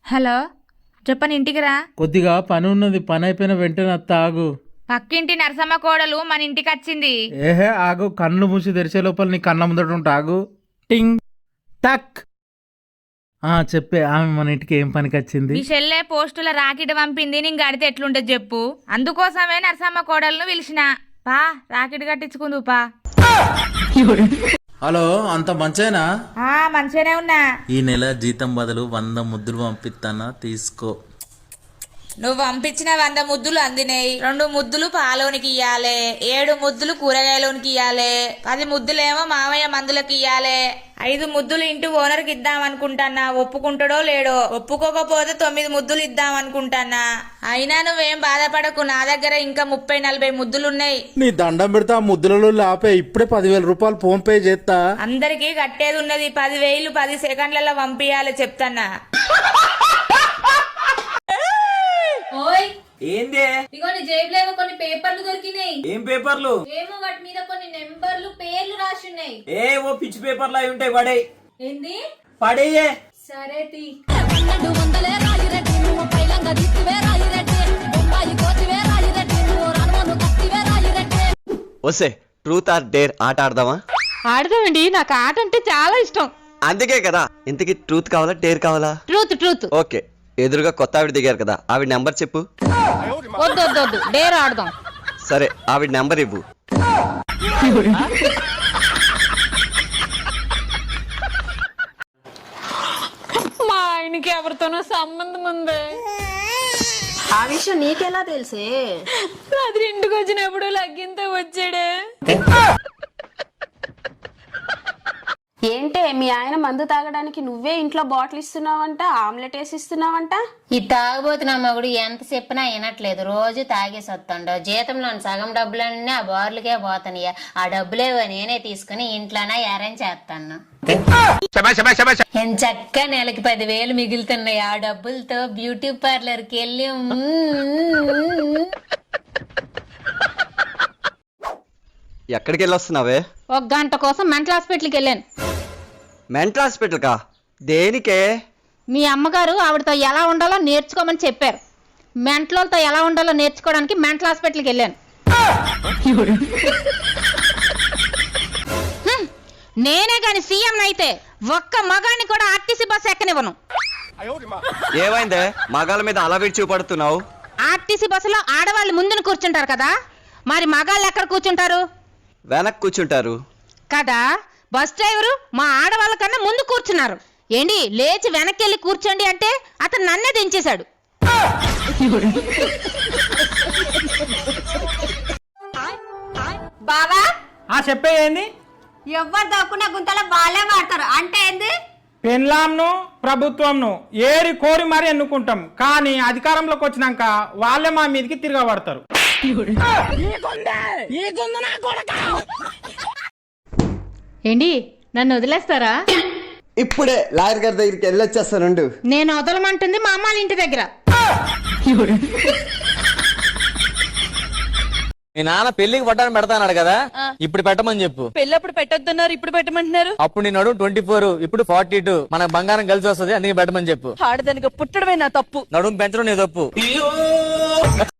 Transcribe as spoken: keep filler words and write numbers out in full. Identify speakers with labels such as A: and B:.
A: Hello చెప్పని ఇంటికి రా.
B: కొద్దిగా పని ఉన్నది, పని అయిపోయిన వెంటనే అత్త ఆగు.
A: పక్కింటి నరసమ్మ కోడలు మన ఇంటికి వచ్చింది.
B: ఏహే ఆగు, కళ్ళు మూసి తెరిచే లోపల నీ కన్న ముందట ఉంటా, ఆగు. టింగ్ టక్. ఆ చెప్పే, ఆమె మన ఇంటికి ఏం పనికి వచ్చింది?
A: మీ చెల్లె పోస్టుల రాకెట్ పంపింది, నేను గడితే ఎట్లుంటది చెప్పు. అందుకోసమే నరసమ్మ కోడలను పిలిచిన. పా రాకెట్ కట్టించుకుందు పా.
B: హలో, అంత మంచేనా?
A: ఆ మంచిగానే ఉన్నా.
B: ఈ నెల జీతం బదులు వంద ముద్దులు పంపిస్తానా, తీసుకో.
A: నువ్వు పంపించిన వంద ముద్దులు అందినాయి. రెండు ముద్దులు పాలోనికి ఇయ్యాలే, ఏడు ముద్దులు కూరగాయలోనికి ఇయ్యాలే, పది ముద్దులేమో మామయ్య మందులకి ఇయ్యాలే, ఐదు ముద్దులు ఇంటి ఓనర్కి ఇద్దాం అనుకుంటానా. ఒప్పుకుంటాడో లేడో. ఒప్పుకోకపోతే తొమ్మిది ముద్దులు ఇద్దాం అనుకుంటానా. అయినా నువ్వేం బాధపడకు, నా దగ్గర ఇంకా ముప్పై నలభై ముద్దులున్నాయి.
B: నీ దండం పెడతా, ముద్దులలో ఆపే. ఇప్పుడే పదివేల రూపాయలు ఫోన్ పే చేస్తా.
A: అందరికి కట్టేది ఉన్నది. పదివేలు పది సెకండ్లలో పంపియాలి చెప్తానా.
C: ఓయ్
D: ఏందే?
C: ఇగో నీ జేబులో ఏమో కొన్ని పేపర్లు దొరికినాయి.
D: ఏం పేపర్లు?
C: ఏమో వాటి మీద కొన్ని నెంబర్లు పేర్లు రాసి ఉన్నాయి.
D: ఏ ఓ పిచ్చి పేపర్లు అవి ఉంటాయి, పడే.
C: ఏంది?
D: పడేయే.
C: సరే తీ.
E: వస్తే ట్రూత్ ఆర్ డేర్ ఆట ఆడదామా?
F: ఆడదామండి, నాకు ఆట అంటే చాలా ఇష్టం.
E: అందుకే కదా. ఇంతకీ ట్రూత్ కావాలా డేర్ కావాలా?
F: Truth truth.
E: ఓకే, ఎదురుగా కొత్త ఆవిడ దిగారు కదా, ఆవిడ నెంబర్ చెప్పు.
F: వద్దు వద్దు వద్దు, డేర్ ఆడదాం.
E: సరే, ఆవిడ నెంబర్ ఇవ్వు.
F: మా ఆయనకి ఎవరితోనో సంబంధం ఉంది.
G: ఆ విషయం నీకెలా తెలుసే?
F: రాత్రి ఇంటికి వచ్చినప్పుడు లగ్గింతో వచ్చాడే.
G: ఏంటే మీ ఆయన మందు తాగడానికి నువ్వే ఇంట్లో బాటిల్ ఇస్తున్నావంట, ఆమ్లెట్ వేసి ఇస్తున్నావంట.
H: ఈ తాగబోతున్న మగుడు ఎంత చెప్పినా వినట్లేదు. రోజు తాగేసి వస్తాడు. జీతంలోని సగం డబ్బులన్నీ ఆ బార్లకే పోతానయ్యా. ఆ డబ్బులే నేనే తీసుకుని ఇంట్లోనే అరేంజ్ చేస్తాను. ఎంచక్క నెలకి పదివేలు మిగులుతున్నాయి. ఆ డబ్బులతో బ్యూటీ పార్లర్ కి వెళ్ళి
E: ఎక్కడికి వెళ్ళి వస్తున్నావే?
F: ఒక గంట కోసం మెంటల్ హాస్పిటల్కి వెళ్ళాను.
E: మెంటల్ హాస్పిటల్ కా? దేనికే?
F: మీ అమ్మగారు ఆవిడతో ఎలా ఉండాలో నేర్చుకోమని చెప్పారు. మెంటలతో ఎలా ఉండాలో నేర్చుకోవడానికి మెంటల్ హాస్పిటల్కి వెళ్ళాను. హ్మ్, నేనే గాని సీఎం అయితే ఒక్క మగాన్ని కూడా ఆర్టీసీ బస్ ఎక్కనివ్వను.
E: ఏమైందే మగాళ్ళ మీద అలా విడిచి చూపడుతున్నావు?
F: ఆర్టీసీ బస్సులో ఆడవాళ్ళు ముందున కూర్చుంటారు కదా, మరి మగాళ్ళు ఎక్కడ కూర్చుంటారు?
E: వెనక్కి కూర్చుంటారు
F: కదా. బస్ డ్రైవరు మా ఆడవాళ్ళ కన్నా ముందు కూర్చున్నారు. ఏంటి లేచి వెనక్కి వెళ్ళి కూర్చోండి అంటే అతను నన్నే దించేశాడు.
G: బావా
D: ఆ చెప్పే ఏంది?
G: ఎవ్వరు దాక్కున్న గుంతలో వాళ్ళే వాడతారు అంటే ఏంది?
D: పెన్లాంను ప్రభుత్వంను ఏరి కోరి మరి ఎన్నుకుంటాం, కానీ అధికారంలోకి వచ్చినాక వాళ్ళే మా మీదకి తిరగబడతారు.
F: ఏంటి నన్ను వదిలేస్తారా?
E: ఇప్పుడే లాయర్ గారి దగ్గరికి వెళ్ళొచ్చేస్తానుండు.
F: నేను వదలమంటుంది మా అమ్మాళ్ళ ఇంటి దగ్గర.
I: మీ నాన్న పెళ్లికి పట్టాను పెడతాన్నాడు కదా, ఇప్పుడు పెట్టమని చెప్పు.
F: పెళ్ళప్పుడు పెట్టొద్దన్నారు, ఇప్పుడు పెట్టమంటున్నారు.
I: అప్పుడు నేను నడుము ట్వంటీ ఫోర్, ఇప్పుడు ఫార్టీ టూ. మనకు బంగారం కలిసి వస్తుంది, అందుకే పెట్టమని చెప్పు.
F: ఆడదానికి పుట్టడమే నా తప్పు.
I: నడుము పెంచడం నీ తప్పు.